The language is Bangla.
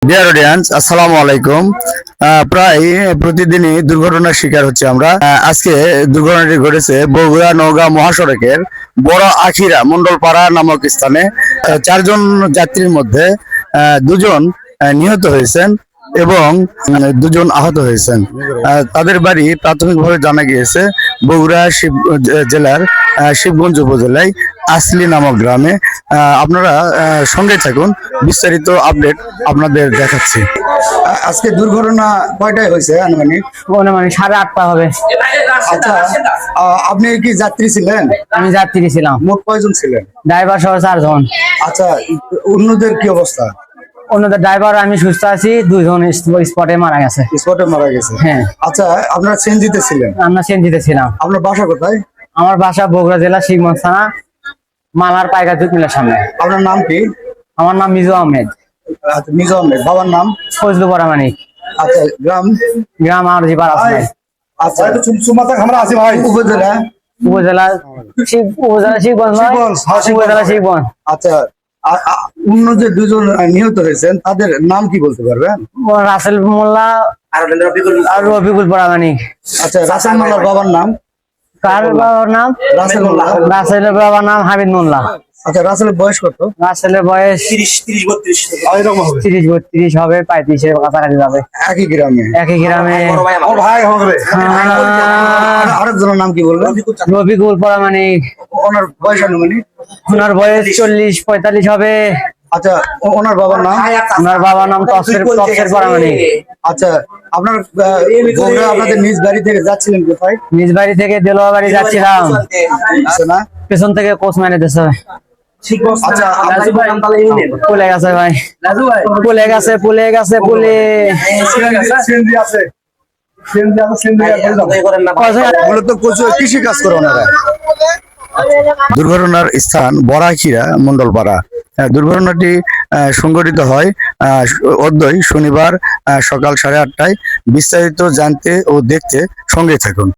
ডিয়ার অডিয়েন্স, আসসালামু আলাইকুম। প্রায় প্রতিদিনই দুর্ঘটনার শিকার হচ্ছে আমরা। আজকে দুর্ঘটনাটি ঘটেছে বগুড়া নওগাঁ মহাসড়কের বড় আখিরা মন্ডলপাড়া নামক স্থানে। চারজন যাত্রীর মধ্যে দুজন নিহত হয়েছেন এবং দুজন আহত হয়েছেন। তাদের বাড়ি প্রাথমিকভাবে জানা গিয়েছে বগুড়া জেলার শিবগঞ্জ উপজেলায় আসলি নামক গ্রামে। আপনারা সঙ্গে থাকুন, বিস্তারিত আপডেট আপনাদের দেখাচ্ছি। আজকে দুর্ঘটনা কয়টায় হয়েছে আনুমানিক? 8:30 হবে। আচ্ছা, আপনি কি যাত্রী ছিলেন? আমি যাত্রী ছিলাম। মোট কয়জন ছিলেন? ড্রাইভার সহ 4 জন। আচ্ছা, অন্যদের কি অবস্থা? অন্যদের ড্রাইভার আমি সুস্থ আছি, 2 জন স্পটে মারা গেছে। স্পটে মারা গেছে? হ্যাঁ। আচ্ছা, আপনারা সিএনজিতে ছিলেন? আমরা সিএনজিতে ছিলাম। আপনার বাসা কোথায়? আমার বাসা বগুড়া জেলা শিবগঞ্জ থানা, মালার পাইকার দুধ মিলের সামনে। আপনার নাম কি? আমার নাম মিজু আহমেদ। আচ্ছা, মিজু আহমেদ। বাবার নাম? ফজলু পরামানিক। আচ্ছা, গ্রাম? গ্রাম আর জিপার আছে। আচ্ছা, উপজেলা? উপজেলা শিবগঞ্জ নয়, উপজেলা শিবগঞ্জ। আচ্ছা, অন্য যে দুজন নিহত হয়েছেন তাদের নাম কি বলতে পারবেন? রাসেল মোল্লা আর রফিকুল পরামানিক। আচ্ছা, রাসেল মোল্লার বাবার নাম? কার বাবার নাম? রাসেল মোল্লা। রাসেলের বাবার নাম হামিদ মোল্লা। আচ্ছা, রাসেলের বয়স কত? রাসেলের বয়স 30-32 হবে, 35-এর কাছাকাছি যাবে। একই গ্রামে? একই গ্রামে। আরেকজনের নাম কি বললেন? রফিকুল পরামানিক। ওনার বয়স আনুমানিক? ওনার বয়স 40-45 হবে। আচ্ছা, ওনার বাবার নাম? ওনার বাবার নাম তফসির পরামানিক। আচ্ছা, আপনার বগুড়া আপনাদের নিজ বাড়ি থেকে যাচ্ছিলেন কোথায়? নিজ বাড়ি থেকে দেলোয়া বাড়ি যাচ্ছিলাম। আছে না? পেছন থেকে কোচ মেরে দিচ্ছে। আচ্ছা, পুলে গেছে ভাই, পুলে গেছে, পুলে গেছে, পুলে। মূলত কৃষি কাজ করে ওনারা। দুর্ঘটনার স্থান বড়াখিরা মন্ডলপাড়া। দুর্ঘটনাটি সংঘটিত হয় অদ্যই শনিবার সকাল 8:30টায়। বিস্তারিত জানতে ও দেখতে সঙ্গে থাকুন।